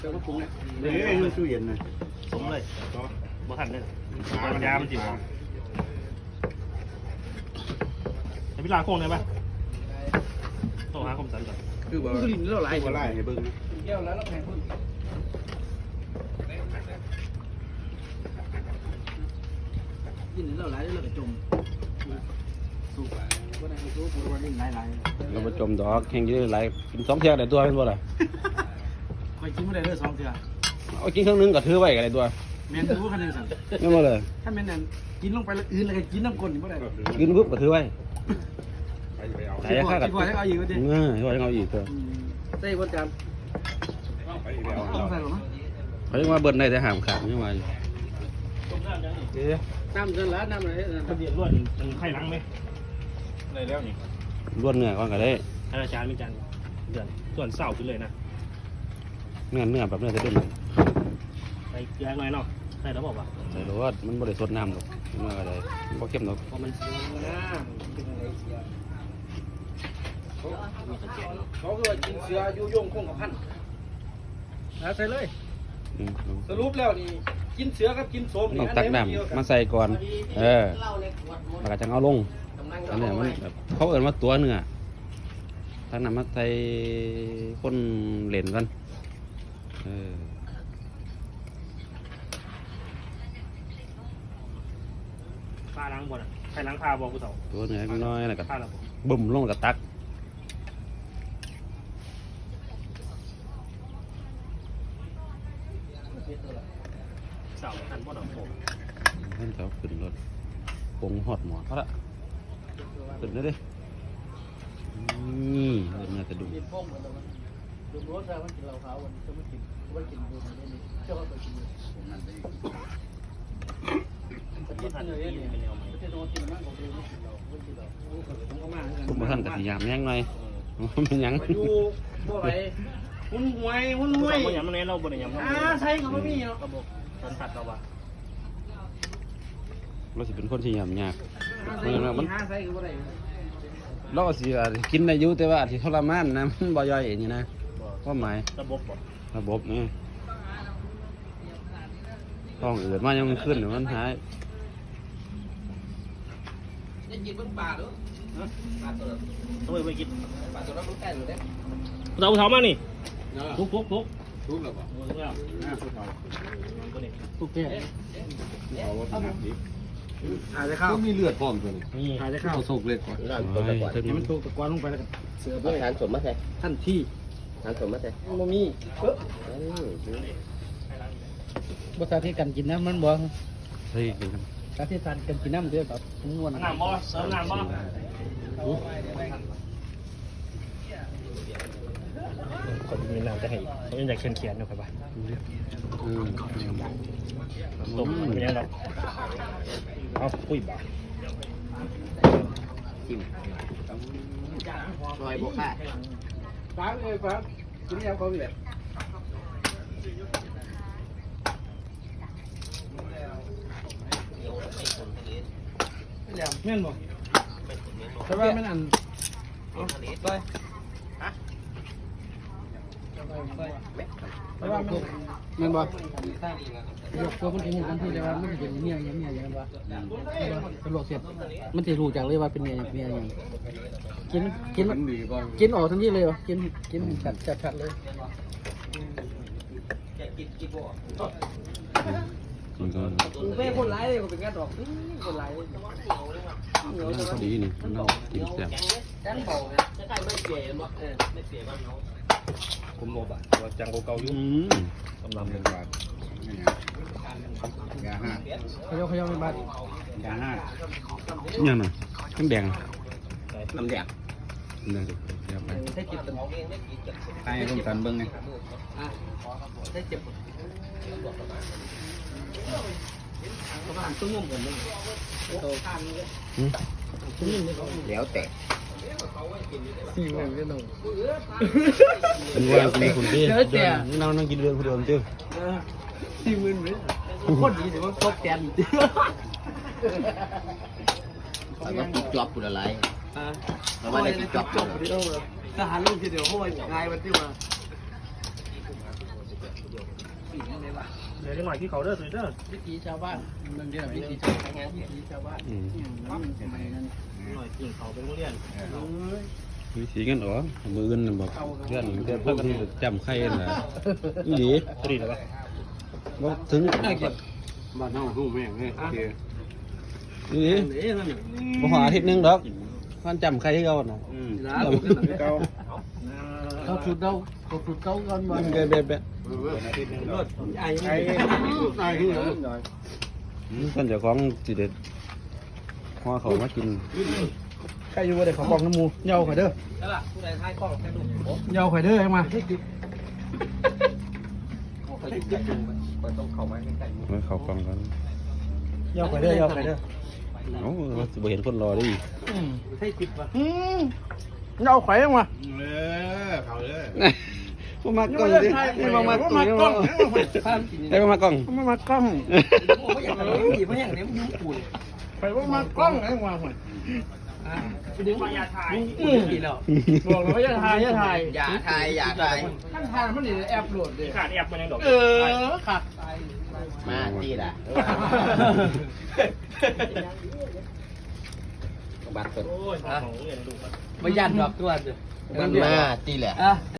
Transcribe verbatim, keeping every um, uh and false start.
เฮ้ยมันสู้เย็นนะสมเลยบ่ทันเลยปัญญามันจิ๋วไอพี่ลาโค้งได้ปะโตหาคมสันก่อนคือว่าคือลิ้นเราไหลว่าไหลให้เบิ้งนะแก้วแล้วเราแพงขึ้นลิ้นเราไหลแล้วเราก็จมสู้ไปว่าไหนสู้ปวดวันนี้ไหลไหลเราไปจมดอกแข่งยืดไหลกินสองเที่ยวได้ตัวเป็นบ่ล่ะไปกินไม่ได้เลยสองเที่ยวเอากินเครื่องนึงก็ถือไว้กันได้ตัวแม่นรู้คะแนนสั่งไม่มาเลยถ้าแม่นนั่นกินลงไปแล้วอื่นแล้วก็กินน้ำก้นอยู่บ่ได้กินปุ๊บก็ถือไว้ใส่ข้ากับที่พ่อจะเอาอีกดิเออที่พ่อจะเอาอีกเถอะใส่บนจานต้องใส่หรอมั้งเขาจะมาเบิร์นได้แต่หามขาดไม่มาน้ำเกินแล้วน้ำอะไรทะเบียนล้วนมันไข่ลังไหมอะไรแล้วนี่ล้วนเนื้อก่อนก็ได้อาจารย์มีจานเดือนส่วนเสาขึ้นเลยนะเนื้อเนื้อแบบเนื้อจะดุนใส่เกลือหน่อยเนาะใส่แล้วบอกว่าใส่แล้วว่ามันบริสุทธิ์น้ำหรอกเนื้ออะไรมันบ่เข้มหรอกเพราะมันเสียนะเขาคือว่ากินเสือยุ่ยงคงกับพันนะใส่เลยสรุปแล้วนี่กินเสือกับกินโสมต้องตักน้ำมาใส่ก่อนเออแล้วก็จะเอาลงอันนี้มันเขาเอิ้นว่าตัวเนื้อตักน้ำมาใส่คนเหล่นกันเออปลาล้างบ่อนใครล้างปลาบ่กูเต่าตัวเนื้อน้อยแล้วก็บุ่มลงกับตักเสาทันบ่ดอกโป่งท่านเสาขึ้นรถโป่งหอดหมอเขาละขึ้นได้ดินี่เนื้อกระดูกดูรถแซ่บมันกินเราเขาวันจะไม่กินไม่กินดูมันได้นี่เชื่อว่าตัวกินผมนั่นได้กินเลยเนี่ยไม่ใช่โดนกินมากกว่าดูไม่กินเราไม่กินเราผมก็มาผมมาทำกับสียามแย่งหน่อยมันยังอยู่บ่ไหวหุ่นหวยหุ่นหวยบ่ยำมันเน้นเราบ่ได้ยำอ่าใช่ก็ไม่มีเนาะระบบสันสัตว์เราว่ะเราสิเป็นคนที่ยำยากมันหาใส่ก็บ่ได้เราสิกินได้อยู่แต่ว่าที่ทรมานนะมันบ่ย่อยอย่างนี้นะก็หมายระบบระบบนี่ท้องอืดมายังมันขึ้นหรือมันหายได้กินบนป่าหรือป่าตัวต้องไปกินป่าตัวนั้นมันแก่อยู่เด้เราเท้ามานี่ทุกทุกทุกทุกหรอป่ะทุกแล้วทุกเท้าทุกแก่หายใจเข้ามีเลือดพร้อมตัวนี้หายใจเข้าสุกเลยก่อนนี่มันสุกตะกอนลงไปแล้วกันเสือเพื่อทานสมมาใช่ท่านที่ทานสมมาใช่โมมี่เออภาษาที่กันกินน้ำมันบ่ใช่กินน้ำภาษาที่กันกินน้ำเยอะแบบนวลน้ำบ่เสริมน้ำบ่คนมีน้ำจะให้เขาอยากเขียนเขียนนะครับบ้านตบเป็นยังไงเอาปุ้ยบ่าจิ้มลอยบวกค่ะฟ้าเลยฟ้าคุณยังเขาอยู่แม่นบ่แต่ว่ามันอันใส่ฮะแต่ว่ามันมันบ่ยกตัวมันเป็นกันที่เลยว่ามันจะเป็นเมียอย่างเมียอย่างนั้นวะตลกเสร็จมันจะรู้จักเลยว่าเป็นเมียเมียอย่างกินกินกินออกทั้งที่เลยวะกินกินจัดจัดจัดเลยเป้คนร้ายเลยเป็นแค่ดอกคนร้ายพอดีนี่มันเอากินแซ่บจังเบาจะใครไม่เสียมั้งไม่เสียบ้างเนาะผมโมบะตัวจังเก่าๆยุ่งกำลังหนึ่งบาทยาห้าเขาเยาเขาเยาเป็นบาทยาห้ายังไงน้ำแดงน้ำแดงน้ำแดงเดี๋ยวไปใต้ร่มสันเบิ้งไงได้เจ็บเขาผ่านตุ้งงผมเลยแล้วแต่สี่หมื่นก็ต้องเป็นว่าคุณคุณพี่นี่เรานั่งกินเรือนคนเดิมจื้อสี่หมื่นเลยโคตรดีแต่ว่าตกแกนแต่ว่าปิดจ็อบคุณอะไรแต่ว่าได้ปิดจ็อบทหารลูกทีเดียวเขาไปง่ายวันที่ว่าดี๋ยวจะหน่อยที่เขาเด้อเด้อวิถีชาวบ้านมันเรียกวิถีชาวบ้านวิถีชาวบ้านอืมสมัยนั้นหน่อยกินเขาเป็นโรงเรียนวิธีกันเหรอมือกันบอกเพื่อนเพื่อนเพื่อนที่จำใครน่ะนี่ดีพอดีเลยปะว่าถึงบ้านเฮาฮู้แม่งเฮ้ยโอเคนี่ดีบ่หาอาทิตย์หนึงดอกมันจำใครที่เขาน่ะอืมแล้วเก่าเขาสุดเดาเขาสุดเดากันมาเบ๊ะเบ๊ะเบ๊ะไอ้ไอ้ไอ้ที่เหรอเพิ่นเจ้าของสิเด็ดห่อเขามากินใครอยู่บ่ได้เขากองน้ำมูเหยาข่อยเด้อแล้วล่ะผู้ใดท้ายกล้องแค่ดูเหยาข่อยเด้อให้มาต้องเข้ามาใกล้ไว้เขากล่องกันเหยาข่อยเด้อเหยาข่อยเด้อเอ้าว่าสิบ่เห็นคนรอดิๆให้ติดปะอืมเหยาข่อยมาเออเขาเลยบ่มากล้องดิบ่มากล้องได้บ่มากล้องมามากล้องไม่อยากจะรู้ดีเพราะอย่างนี้มันยุ่งปุ๋ยไปว่ามากล้องไอ้ว่าข่อยไปดึงมายาทายกินแล้วบอกเลยว่าอย่าถ่ายอย่าถ่ายอย่าทายอย่าทายท่านถ่ายมันนี่แอบโหลดดิขาดแอบมันยังดอกเออขาดมาตีละบัตรเปิดโอ้ยของเรียนดูไม่ยันดอกตัวเด้อมันมาตีแหละ